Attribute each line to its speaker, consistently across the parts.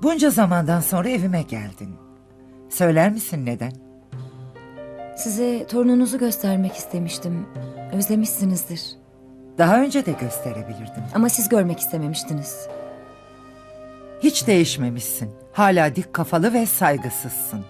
Speaker 1: Bunca zamandan sonra evime geldin. Söyler misin neden?
Speaker 2: Size torununuzu göstermek istemiştim. Özlemişsinizdir.
Speaker 1: Daha önce de gösterebilirdim.
Speaker 2: Ama siz görmek istememiştiniz.
Speaker 1: Hiç değişmemişsin. Hala dik kafalı ve saygısızsın.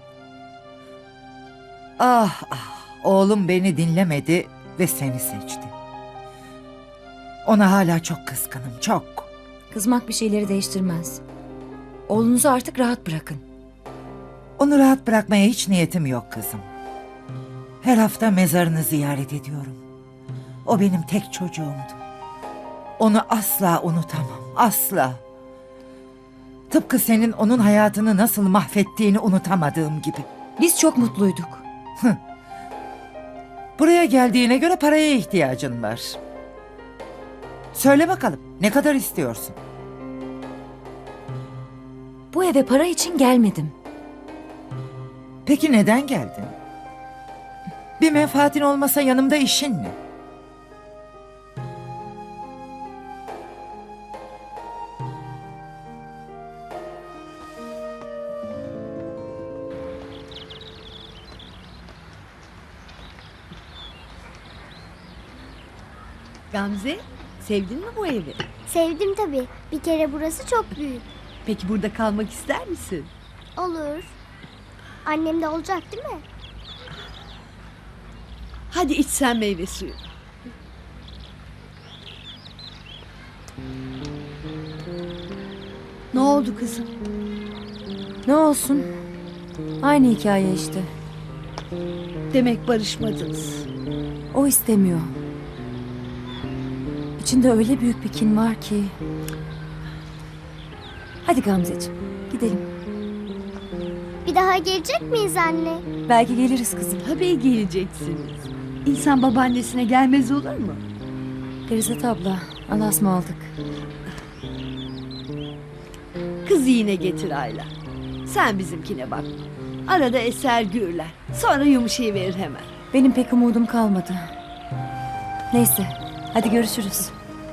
Speaker 1: Ah ah, oğlum beni dinlemedi ve seni seçti. Ona hala çok kızgınım, çok.
Speaker 2: Kızmak bir şeyleri değiştirmez. Oğlunuzu artık rahat bırakın.
Speaker 1: Onu rahat bırakmaya hiç niyetim yok kızım. Her hafta mezarını ziyaret ediyorum. O benim tek çocuğumdu. Onu asla unutamam, asla. Tıpkı senin onun hayatını nasıl mahvettiğini unutamadığım gibi.
Speaker 2: Biz çok mutluyduk.
Speaker 1: Buraya geldiğine göre paraya ihtiyacın var. Söyle bakalım, ne kadar istiyorsun?
Speaker 2: Bu eve para için gelmedim.
Speaker 1: Peki neden geldin? Bir menfaatin olmasa yanımda işin ne?
Speaker 3: Gamze, sevdin mi bu evi?
Speaker 4: Sevdim tabii. Bir kere burası çok büyük.
Speaker 3: Peki burada kalmak ister misin?
Speaker 4: Olur. Annem de olacak değil mi?
Speaker 3: Hadi iç sen meyve suyu. Ne oldu kızım?
Speaker 2: Ne olsun? Aynı hikaye işte.
Speaker 3: Demek barışmadınız.
Speaker 2: O istemiyor. İçinde öyle büyük bir kin var ki. Hadi Gamzeciğim, gidelim.
Speaker 4: Bir daha gelecek miyiz anne?
Speaker 2: Belki geliriz kızım.
Speaker 3: Tabii geleceksiniz. İnsan babaannesine gelmez olur mu?
Speaker 2: Ferizet abla, Allah'a ısmarladık.
Speaker 3: Kızı yine getir Ayla. Sen bizimkine bak. Arada eser gürler. Sonra yumuşayıverir hemen.
Speaker 2: Benim pek umudum kalmadı. Neyse, hadi görüşürüz.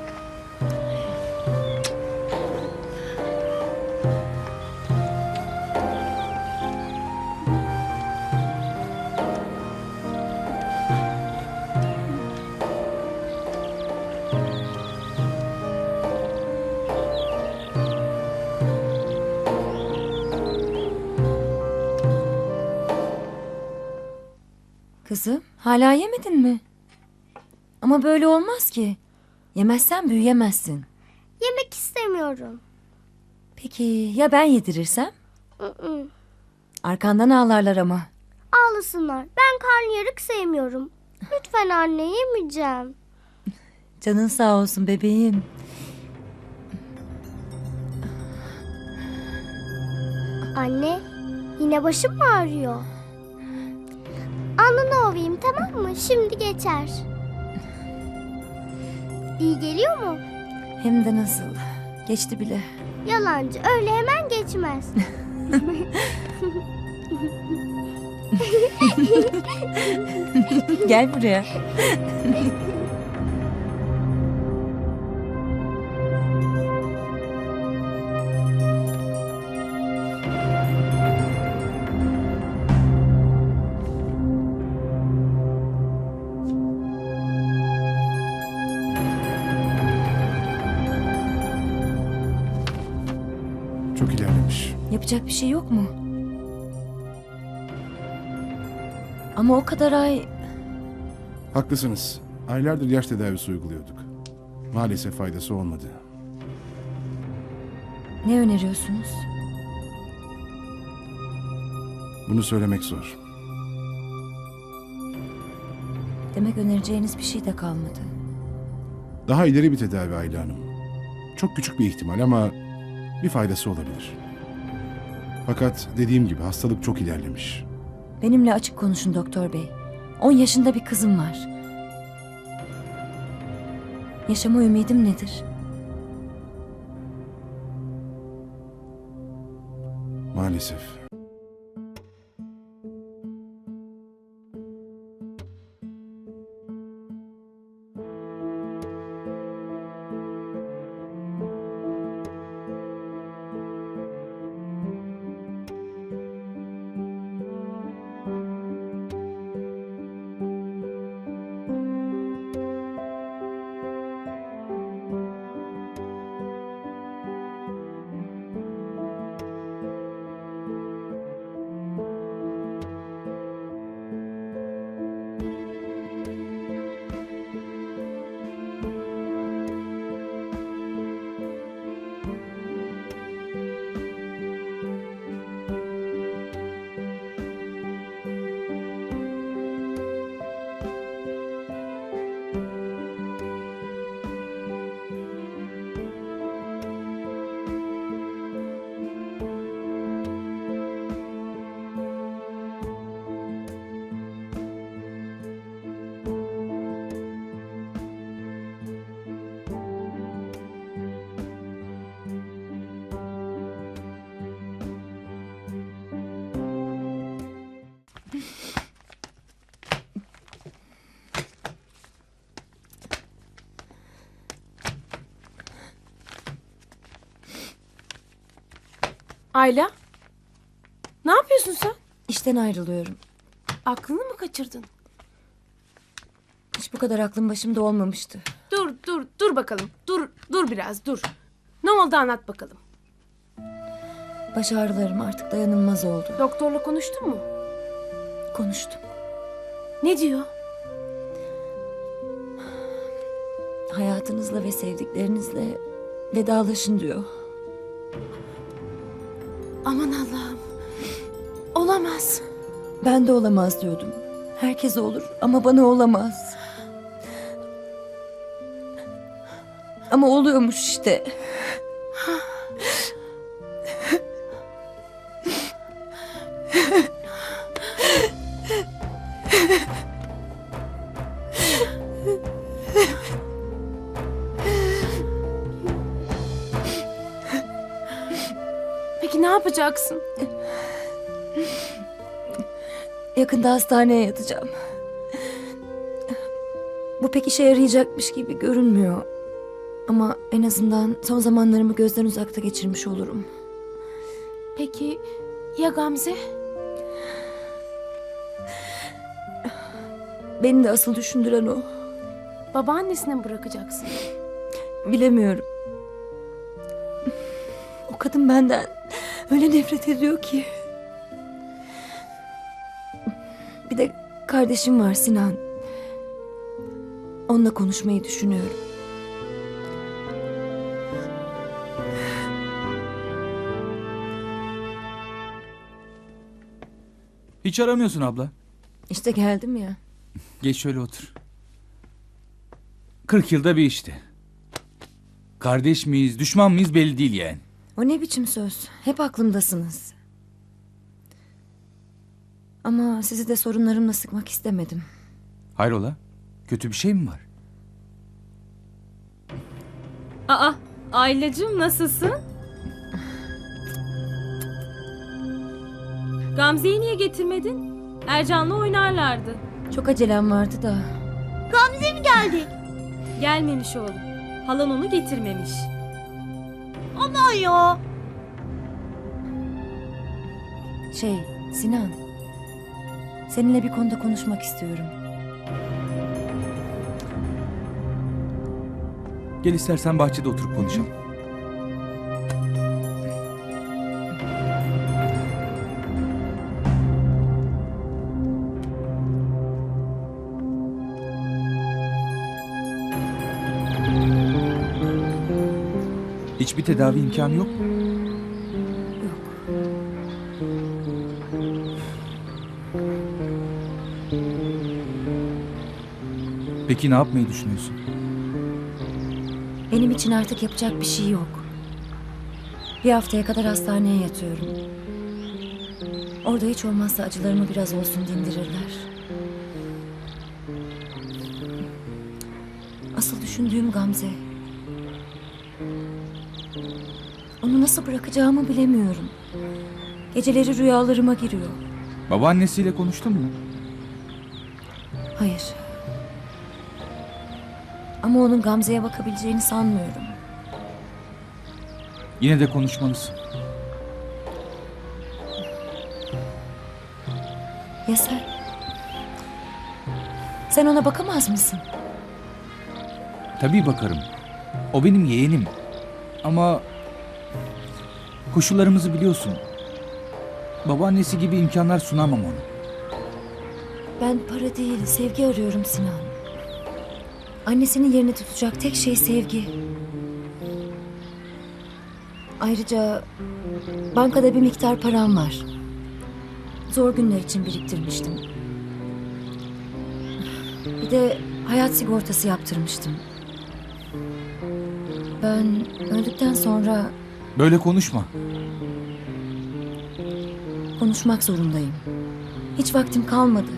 Speaker 2: Kızım, hala yemedin mi? Ama böyle olmaz ki. Yemezsen büyüyemezsin.
Speaker 4: Yemek istemiyorum.
Speaker 2: Peki ya ben yedirirsem?
Speaker 4: Mm-mm.
Speaker 2: Arkandan ağlarlar ama.
Speaker 4: Ağlasınlar. Ben karnıyarık sevmiyorum. Lütfen anne, yemeyeceğim.
Speaker 2: Canın sağ olsun bebeğim.
Speaker 4: Anne, yine başım mı ağrıyor? Alnını ovayım, tamam mı? Şimdi geçer. İyi geliyor mu?
Speaker 2: Hem de nasıl. Geçti bile.
Speaker 4: Yalancı, öyle hemen geçmez.
Speaker 2: Gel buraya.
Speaker 5: Çok ilerlemiş.
Speaker 2: Yapacak bir şey yok mu? Ama o kadar ay...
Speaker 5: Haklısınız. Aylardır yaş tedavisi uyguluyorduk. Maalesef faydası olmadı.
Speaker 2: Ne öneriyorsunuz?
Speaker 5: Bunu söylemek zor.
Speaker 2: Demek önereceğiniz bir şey de kalmadı.
Speaker 5: Daha ileri bir tedavi Ayla Hanım. Çok küçük bir ihtimal ama bir faydası olabilir. Fakat dediğim gibi hastalık çok ilerlemiş.
Speaker 2: Benimle açık konuşun doktor bey. 10 yaşında bir kızım var. Yaşama ümidim nedir?
Speaker 5: Maalesef.
Speaker 6: Ayla? Ne yapıyorsun sen?
Speaker 2: İşten ayrılıyorum.
Speaker 6: Aklını mı kaçırdın?
Speaker 2: Hiç bu kadar aklım başımda olmamıştı.
Speaker 6: Dur bakalım. Dur biraz, dur. Ne oldu anlat bakalım.
Speaker 2: Baş ağrılarım artık dayanılmaz oldu.
Speaker 6: Doktorla konuştun mu?
Speaker 2: Konuştum.
Speaker 6: Ne diyor?
Speaker 2: Hayatınızla ve sevdiklerinizle vedalaşın diyor.
Speaker 6: Aman Allah'ım. Olamaz.
Speaker 2: Ben de olamaz diyordum. Herkese olur ama bana olamaz. Ama oluyormuş işte.
Speaker 6: Peki ne yapacaksın?
Speaker 2: Yakında hastaneye yatacağım. Bu pek işe yarayacakmış gibi görünmüyor. Ama en azından son zamanlarımı gözden uzakta geçirmiş olurum.
Speaker 6: Peki ya Gamze?
Speaker 2: Beni de asıl düşündüren o.
Speaker 6: Babaannesine mi bırakacaksın?
Speaker 2: Bilemiyorum. O kadın benden öyle nefret ediyor ki. Bir de kardeşim var, Sinan. Onunla konuşmayı düşünüyorum.
Speaker 7: Hiç aramıyorsun abla.
Speaker 2: İşte geldim ya.
Speaker 7: Geç şöyle otur. 40 yılda bir işte. Kardeş miyiz, düşman mıyız belli değil yani.
Speaker 2: O ne biçim söz? Hep aklımdasınız. Ama sizi de sorunlarımla sıkmak istemedim.
Speaker 7: Hayrola? Kötü bir şey mi var?
Speaker 8: Aa, Aylacığım nasılsın? Gamze'yi niye getirmedin? Ercan'la oynarlardı.
Speaker 2: Çok acelem vardı da.
Speaker 8: Gelmemiş oğlum. Halan onu getirmemiş.
Speaker 2: Sinan. Seninle bir konuda konuşmak istiyorum.
Speaker 7: Gel istersen bahçede oturup konuşalım. Hiçbir tedavi imkanı yok mu?
Speaker 2: Yok.
Speaker 7: Peki ne yapmayı düşünüyorsun?
Speaker 2: Benim için artık yapacak bir şey yok. Bir haftaya kadar hastaneye yatıyorum. Orada hiç olmazsa acılarımı biraz olsun dindirirler. Asıl düşündüğüm Gamze. Onu nasıl bırakacağımı bilemiyorum. Geceleri rüyalarıma giriyor.
Speaker 7: Babaannesiyle konuştun mu?
Speaker 2: Hayır. Ama onun Gamze'ye bakabileceğini sanmıyorum.
Speaker 7: Yine de konuşmalısın.
Speaker 2: Ya sen? Sen ona bakamaz mısın?
Speaker 7: Tabii bakarım. O benim yeğenim. Ama koşullarımızı biliyorsun. Babaannesi gibi imkanlar sunamam ona.
Speaker 2: Ben para değil, sevgi arıyorum Sinan. Annesinin yerini tutacak tek şey sevgi. Ayrıca bankada bir miktar param var. Zor günler için biriktirmiştim. Bir de hayat sigortası yaptırmıştım. Ben öldükten sonra
Speaker 7: Böyle konuşma.
Speaker 2: konuşmak zorundayım. Hiç vaktim kalmadı.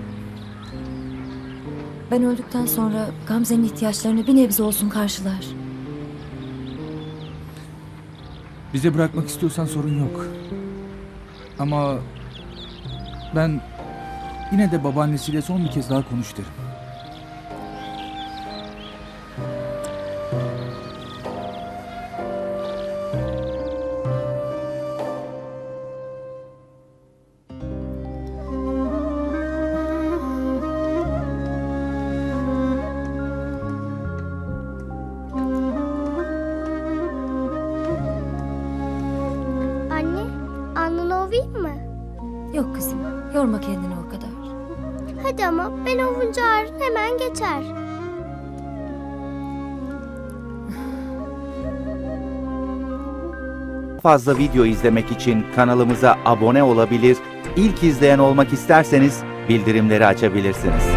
Speaker 2: Ben öldükten sonra Gamze'nin ihtiyaçlarını bir nebze olsun karşılar.
Speaker 7: Bize bırakmak istiyorsan sorun yok. Ama ben yine de babaannesiyle son bir kez daha konuş derim.
Speaker 2: Yok kızım, yorma kendini o kadar.
Speaker 4: Hadi ama ben olunca ağrın hemen geçer.
Speaker 9: Fazla video izlemek için kanalımıza abone olabilir, ilk izleyen olmak isterseniz bildirimleri açabilirsiniz.